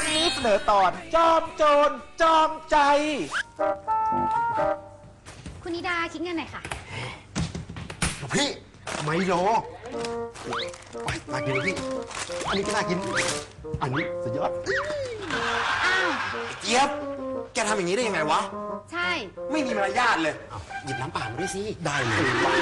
นี้เสนอตอนจอมโจรจอมใจคุณนิดาคิดเงินหน่อยค่ะพี่ไมโลไปน่ากินพี่อันนี้ก็น่ากินอันนี้สุดยอดอ้าวเจี๊ยบแกทำอย่างนี้ได้ยังไงวะใช่ไม่มีมารยาทเลยหยิบน้ำเปล่ามาด้วยสิได้เลย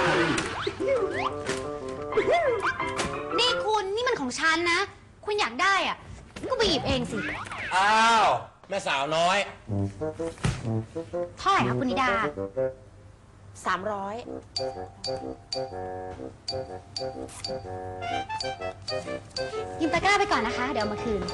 นี่คุณนี่มันของฉันนะคุณอยากได้อ่ะก็ไปหยิบเองสิอ้าวแม่สาวน้อยเท่าไหร่คะคุณนิดา 300 ยืมตะกร้าไปก่อนนะคะเดี๋ยวมาคืน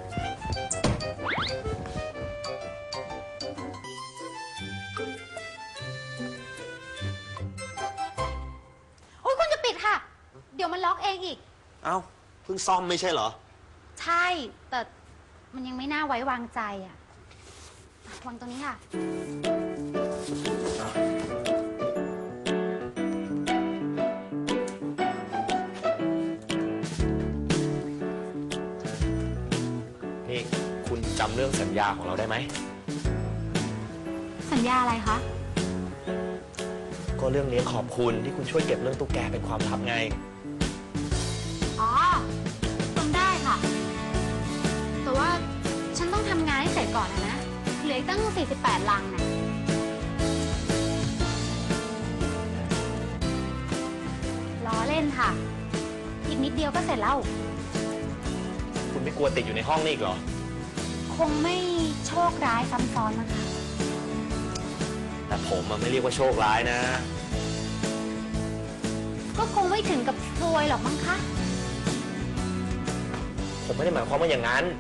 โอ้ยคุณจะปิดค่ะเดี๋ยวมันล็อกเองอีกเอ้าเพิ่งซ่อมไม่ใช่เหรอใช่แต่มันยังไม่น่าไว้วางใจอ่ะวางตรงนี้ค่ะนี่คุณจำเรื่องสัญญาของเราได้ไหมสัญญาอะไรคะก็เรื่องเลี้ยงขอบคุณที่คุณช่วยเก็บเรื่องตุ๊กแกเป็นความลับไงอ๋อจำได้ค่ะแต่ว่าฉันต้องทำงานให้เสร็จก่อนนะเหลืออีกตั้ง48 ลังนะล้อเล่นค่ะอีกนิดเดียวก็เสร็จแล้วคุณไม่กลัวติดอยู่ในห้องนี่อีกเหรอคงไม่โชคร้ายซ้ำซ้อนนะคะแต่ผมมันไม่เรียกว่าโชคร้ายนะก็คงไม่ถึงกับซวยหรอกมั้งคะผมไม่ได้หมายความว่าอย่างนั้น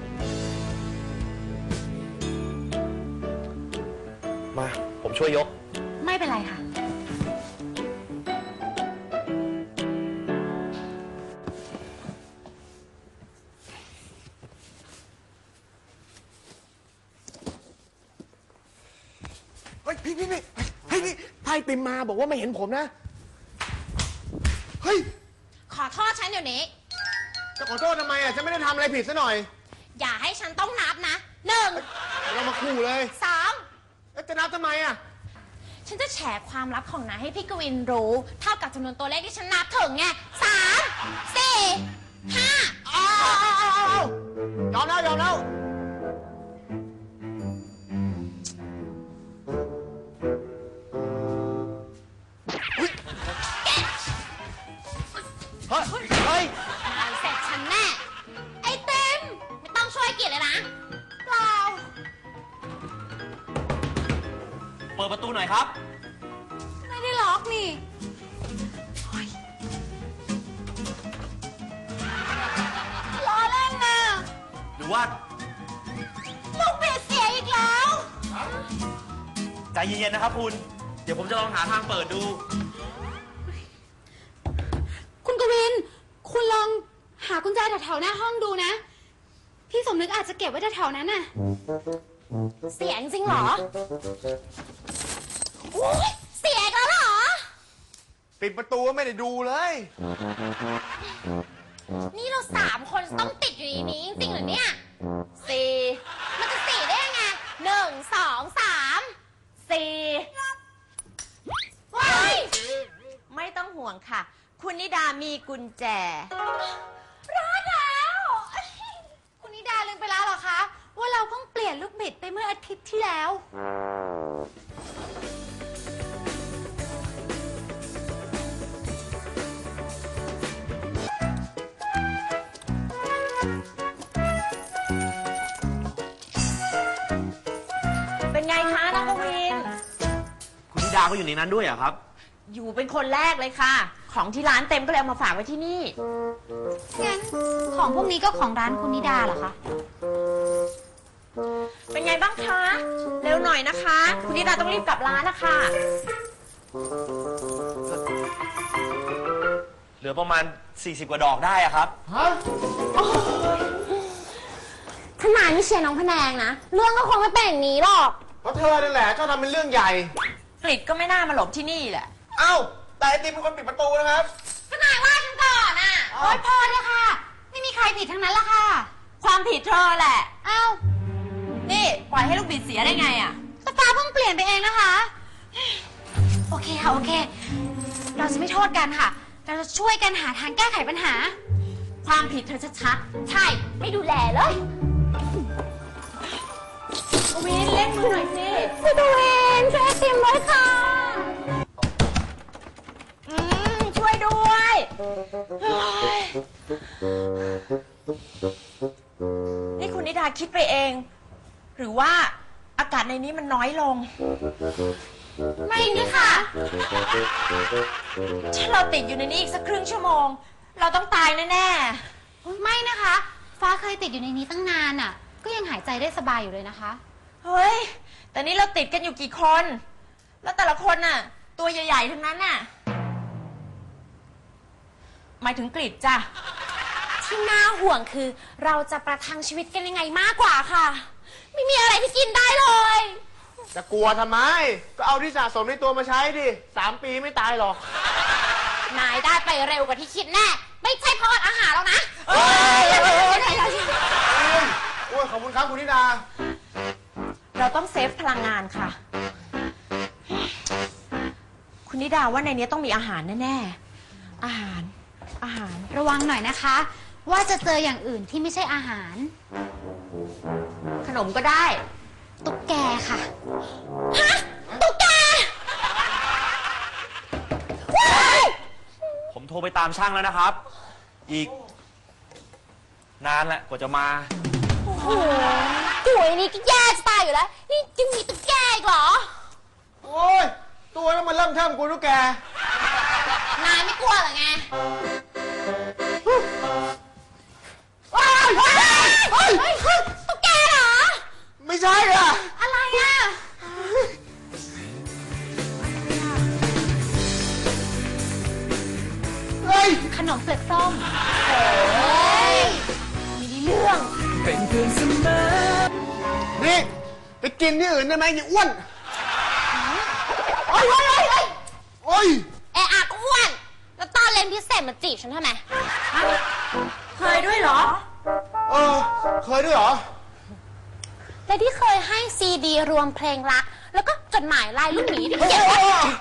มาผมช่วยยกไม่เป็นไรค่ะเฮ้ยพี่ไพ่ติมมาบอกว่าไม่เห็นผมนะเฮ้ยขอโทษฉันเดี๋ยวนี้จะขอโทษทำไมอ่ะฉันไม่ได้ทำอะไรผิดซะหน่อยอย่าให้ฉันต้องนับนะ1 เรามาคู่เลย 2 จะนับทำไมอ่ะฉันจะแฉความลับของนายให้พี่กวินรู้เท่ากับจำนวนตัวเลขที่ฉันนับถึงไง3 4 5 ยอมแล้วเฮ้ยเสร็จฉันแน่ไอติมไม่ต้องช่วยกิจเลยนะเปล่าเปิดประตูหน่อยครับไม่ได้ล็อกนี่ล้อเล่นนะหรือว่าลูกบิดเสียอีกแล้วใจเย็นๆนะครับคุณเดี๋ยวผมจะลองหาทางเปิดดูคุณกวินคุณลองหากุญแจแถวๆหน้าห้องดูนะพี่สมนึกอาจจะเก็บไว้แถวๆนั้นน่ะเสียจริงเหรอเสียแล้วเหรอปิดประตูไม่ได้ดูเลยนี่เรา3 คนต้องติดอยู่ในนี้จริงๆเหรอเนี่ย4มันจะ4ได้ยังไง1 2 3 4ว้ายไม่ต้องห่วงค่ะคุณนิดามีกุญแจรอดแล้วคุณนิดาลืมไปแล้วเหรอคะว่าเราเพิ่งเปลี่ยนลูกบิดไปเมื่ออาทิตย์ที่แล้วเป็นไงคะน้องกวินคุณนิดาก็อยู่ในนั้นด้วยเหรอครับอยู่เป็นคนแรกเลยค่ะของที่ร้านเต็มก็เลยเอามาฝากไว้ที่นี่งั้นของพวกนี้ก็ของร้านคุณนิดาเหรอคะเป็นไงบ้างคะเร็วหน่อยนะคะคุณนิดาต้องรีบกลับร้านนะคะเหลือประมาณ40 กว่าดอกได้อะครับขนาดนี้เชียร์น้องพะแนงนะเรื่องก็คงไม่เป็นอย่างนี้หรอกเพราะเธอนั่นแหละชอบทำเป็นเรื่องใหญ่กฤษก็ไม่น่ามาหลบที่นี่แหละเอ้าแต่ไอติมเป็นคนปิดประตูนะครับก็นายว่าฉันก่อนอ่ะโอ๊ยพอเลยค่ะไม่มีใครผิดทั้งนั้นละค่ะความผิดเธอแหละอ้อยให้ลูกบิดเสียได้ไงอะแต่ฟ้าเพิ่งเปลี่ยนไปเองนะคะ โอเคค่ะโอเค เราจะไม่โทษกันค่ะ เราจะช่วยกันหาทางแก้ไขปัญหาความผิดเธอชัดๆใช่ไม่ดูแลเลยวินเล่นมือหน่อยสิพี่ตูวินช่วยไอติมด้วยค่ะช่วยด้วยนี่คุณนิดาคิดไปเอง หรือว่าอากาศในนี้มันน้อยลงไม่นี่ค่ะถ้าเราติดอยู่ในนี้อีกสักครึ่งชั่วโมง เราต้องตายแน่ไม่นะคะ ฟ้าเคยติดอยู่ในนี้ตั้งนานอ่ะ ก็ยังหายใจได้สบายอยู่เลยนะคะๆเฮ้ยแต่นี่เราติดกันอยู่กี่คน แล้วแต่ละคนน่ะ ตัวใหญ่ๆทั้งนั้นน่ะหมายถึงกรีดจ้ะที่น่าห่วงคือเราจะประทังชีวิตกันยังไงมากกว่าค่ะ ไม่มีอะไรที่กินได้เลยจะกลัวทำไม ก็เอาที่สะสมในตัวมาใช้ดิ3 ปีไม่ตายหรอกนายได้ไปเร็วกว่าที่คิดแน่ ไม่ใช่เพราะอดอาหารแล้วนะโอ้ยขอบคุณครับคุณนิดาเราต้องเซฟพลังงานค่ะ คุณนิดาว่าในนี้ต้องมีอาหารแน่ๆอาหารระวังหน่อยนะคะ ว่าจะเจออย่างอื่นที่ไม่ใช่อาหารขนมก็ได้ตุ๊กแกค่ะฮะ ตุ๊กแกผมโทรไปตามช่างแล้วนะครับ อีก นานแหละกว่าจะมาโอ้โหตัวนี้ก็แย่จะตายอยู่แล้ว นี่ยังมีตุ๊กแกอีกเหรอโอ้ย ตัวนั้นมันเริ่มเทิมกูทุกแกนายไม่กลัวเหรอไงตุ๊กแกเหรอไม่ใช่อ่ะอะไรอ่ะเฮ้ยขนมเปลือกส้มมีเรื่องนี่ไปกินที่อื่นได้ไหมอย่าอ้วนโอ้ยโอ้ยเอะอะก็อ้วน แล้วตอนเรียนพิเศษมาจีบฉันทำไม เคยด้วยเหรอเคยด้วยเหรอและที่เคยให้ซีดีรวมเพลงรัก แล้วก็จดหมายลายลูกหมีที่เขียนไว้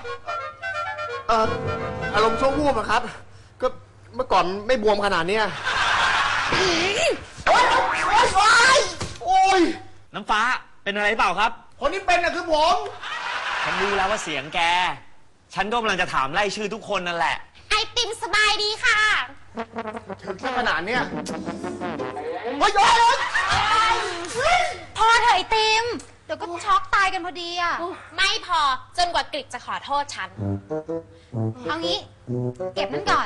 อารมณ์ชั่ววูบอะครับ ก็เมื่อก่อนไม่บวมขนาดเนี้ยโอ้ยน้ำฟ้าเป็นอะไรเปล่าครับคนที่เป็นน่ะคือผมฉันรู้แล้วว่าเสียงแก ฉันก็กำลังจะถามไล่ชื่อทุกคนนั่นแหละไอติมสบายดีค่ะถึงขนาดเนี้ยโอ้ยพอเถอะไอติม เดี๋ยวก็ช็อกตายกันพอดีอ่ะไม่พอจนกว่ากริกจะขอโทษฉันเอางี้ เก็บนั่นก่อน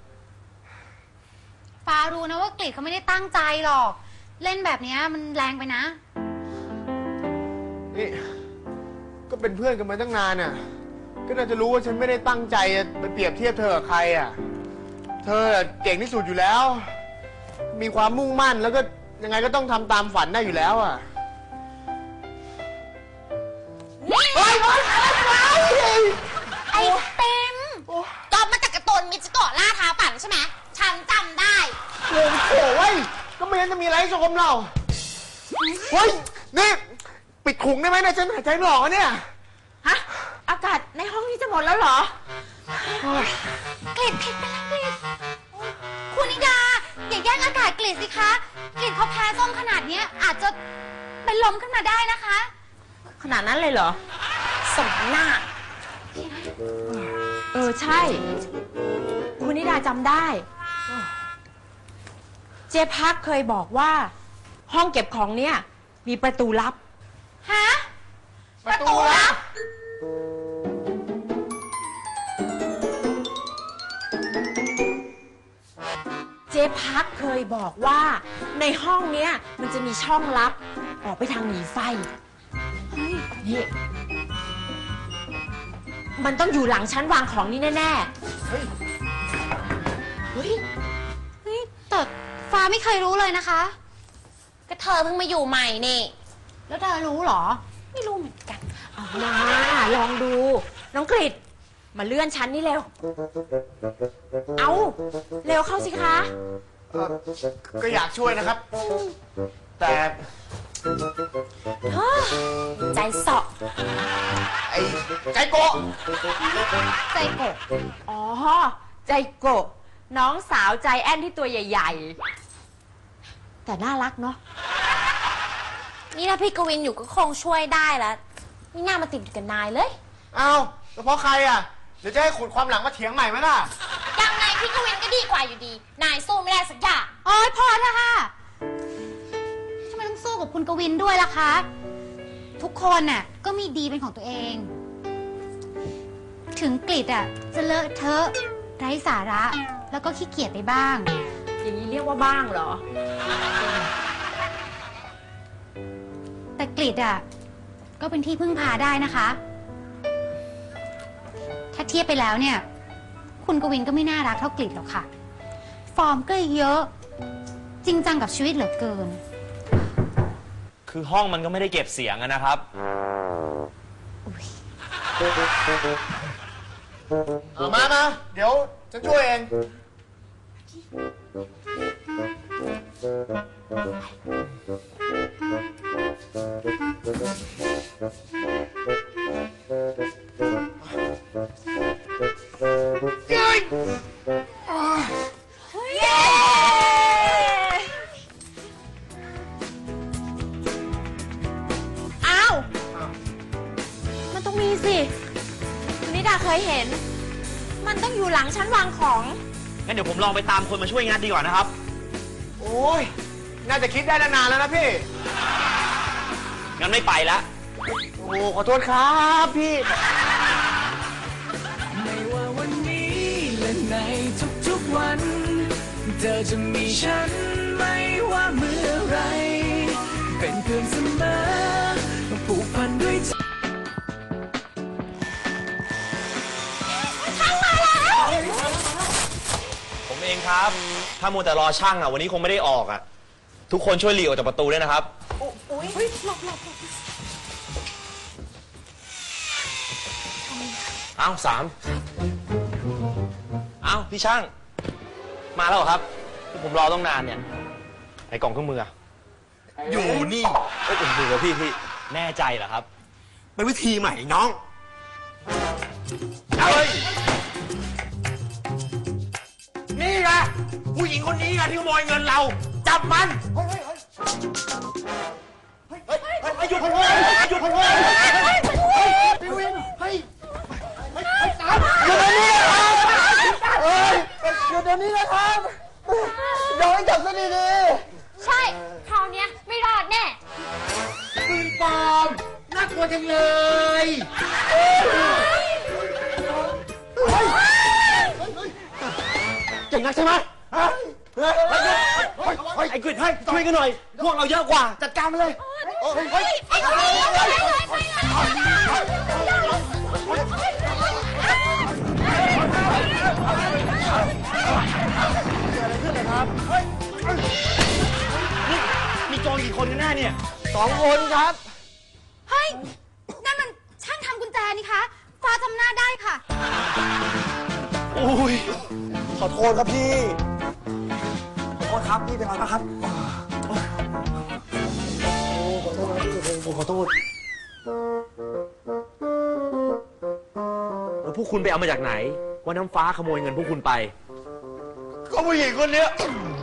ฟ้ารู้นะว่ากรีดเขาไม่ได้ตั้งใจหรอก เล่นแบบนี้มันแรงไปนะนี่ก็เป็นเพื่อนกันมาตั้งนานน่ะ ก็น่าจะรู้ว่าฉันไม่ได้ตั้งใจไปเปรียบเทียบเธอกับใครอ่ะ เธอเก่งที่สุดอยู่แล้ว มีความมุ่งมั่นแล้วก็ยังไงก็ต้องทำตามฝันได้อยู่แล้วอ่ะไอติมก็มาจากการ์ตูนมิจิโกะล่าท้าฝันใช่ไหม ฉันจำได้โอ้โหเว้ยก็ไม่งั้นจะมีอะไรให้ชมเราเฮ้ย นี่ ปิดถุงได้ไหมเนี่ยฉันหายใจไม่ออกอะเนี่ยฮะ อากาศในห้องนี้จะหมดแล้วเหรอกรีดผิดไปแล้วกรีดคุณนิดา อย่าแย่งอากาศกรีดสิคะกรีดเขาแพ้ส้มขนาดเนี้ยอาจจะเป็นลมขึ้นมาได้นะคะขนาดนั้นเลยเหรอสมหน้า ใช่ คุณนิดาจำได้ เจ๊พักเคยบอกว่า ห้องเก็บของเนี่ย มีประตูลับฮะประตูลับเจ๊พักเคยบอกว่า ในห้องเนี้ยมันจะมีช่องลับ ออกไปทางหนีไฟนี่มันต้องอยู่หลังชั้นวางของนี่แน่ๆ เฮ้ยเฮ้ยแต่ฟ้าไม่เคยรู้เลยนะคะก็เธอเพิ่งมาอยู่ใหม่นี่แล้วเธอรู้เหรอไม่รู้เหมือนกัน เอามาลองดู น้องกริดมาเลื่อนชั้นนี่เร็ว เอาเร็วเข้าสิคะก็อยากช่วยนะครับ แต่เฮ้ยายเสาะไอ้ใจโกะใจโกะอ๋อ ใจโกะน้องสาวใจแอนที่ตัวใหญ่ๆ แต่น่ารักเนาะนี่ถ้าพี่กวินอยู่ก็คงช่วยได้แล้วไม่น่ามาติดอยู่กับนายเลยอ้าวแล้วเพราะใครอ่ะ เดี๋ยวจะให้ขุดความหลังมาเถียงใหม่ไหมล่ะยังไงพี่กวินก็ดีกว่าอยู่ดี นายสู้ไม่ได้สักอย่างโอ๊ยพอเถอะค่ะทำไมต้องสู้กับคุณกวินด้วยล่ะคะ ทุกคนน่ะก็มีดีเป็นของตัวเอง ถึงกฤษอ่ะจะเลอะเทอะไร้สาระ แล้วก็ขี้เกียจไปบ้างอย่างนี้เรียกว่าบ้างเหรอแต่กฤษอ่ะก็เป็นที่พึ่งพาได้นะคะ ถ้าเทียบไปแล้วเนี่ย คุณกวินก็ไม่น่ารักเท่ากฤษหรอกค่ะ ฟอร์มก็เยอะ จริงจังกับชีวิตเหลือเกินคือห้องมันก็ไม่ได้เก็บเสียงอะนะครับเอามา เดี๋ยวฉันช่วยเองอ้าว มันต้องมีสิคุณนิดาเคยเห็น มันต้องอยู่หลังชั้นวางของงั้นเดี๋ยวผมลองไปตามคนมาช่วยงานดีกว่านะครับโอ้ย น่าจะคิดได้ตั้งนานแล้วนะพี่งั้นไม่ไปละโอ้ขอโทษครับพี่ไม่ว่าวันนี้และในทุกๆวัน เธอจะมีฉันไม่ว่าเมื่อไร เป็นเพื่อนเสมอผูกพันด้วยใจผมเองครับ ถ้ามัวแต่รอช่างอะวันนี้คงไม่ได้ออกอะทุกคนช่วยหลีกออกจากประตูด้วยนะครับ เอ้าสามเอ้าพี่ช่าง มาแล้วเหรอครับที่ผมรอต้องนานเนี่ย ไอ้กล่องเครื่องมืออะอยู่นี่เอ้ยผมดูแล้วพี่แน่ใจเหรอครับเป็นวิธีใหม่น้องเฮ้ยนี่ไงผู้หญิงคนนี้ไงที่ขโมยเงินเรา จับมันหยุดขโมยหยุดขโมยพี่วินเฮ้ยหยุดเดี๋ยวนี้นะครับเฮ้ยหยุดเดี๋ยวนี้นะครับโดนจับซะดีใช่ คราวเนี้ยไม่รอดแน่ๆปืนปลอมน่ากลัวจังเลย เก่งนักใช่ไหมฮะไอ้กฤษให้ช่วยกันหน่อย พวกเราเยอะกว่า จัดการมาเลยมีโจรกี่คนกันแน่เนี่ย 2 คนครับเฮ้ย นั่นมันช่างทำกุญแจนี่คะฟ้าจำหน้าได้ค่ะอุ้ยขอโทษครับพี่ ขอโทษครับพี่เป็นไรบ้างครับขอโทษแล้วพวกคุณไปเอามาจากไหน ว่าน้ำฟ้าขโมยเงินพวกคุณไปก็ผู้หญิงคนเนี้ย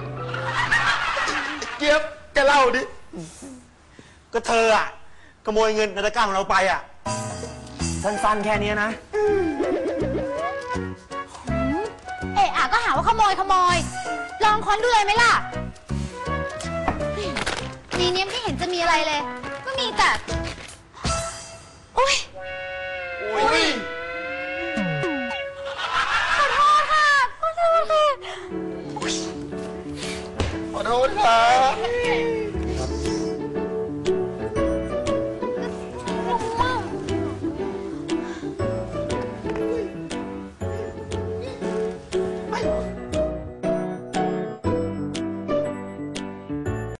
เจี๊ยบแกเล่าดิ ก็เธออะขโมยเงินในตะกร้าของเราไปอะสั้นๆแค่เนี้ยนะเอะอะก็หาว่าขโมย ลองค้นดูเลยไหมล่ะในนี้ไม่เห็นจะมีอะไรเลย ก็มีแต่ โอ๊ย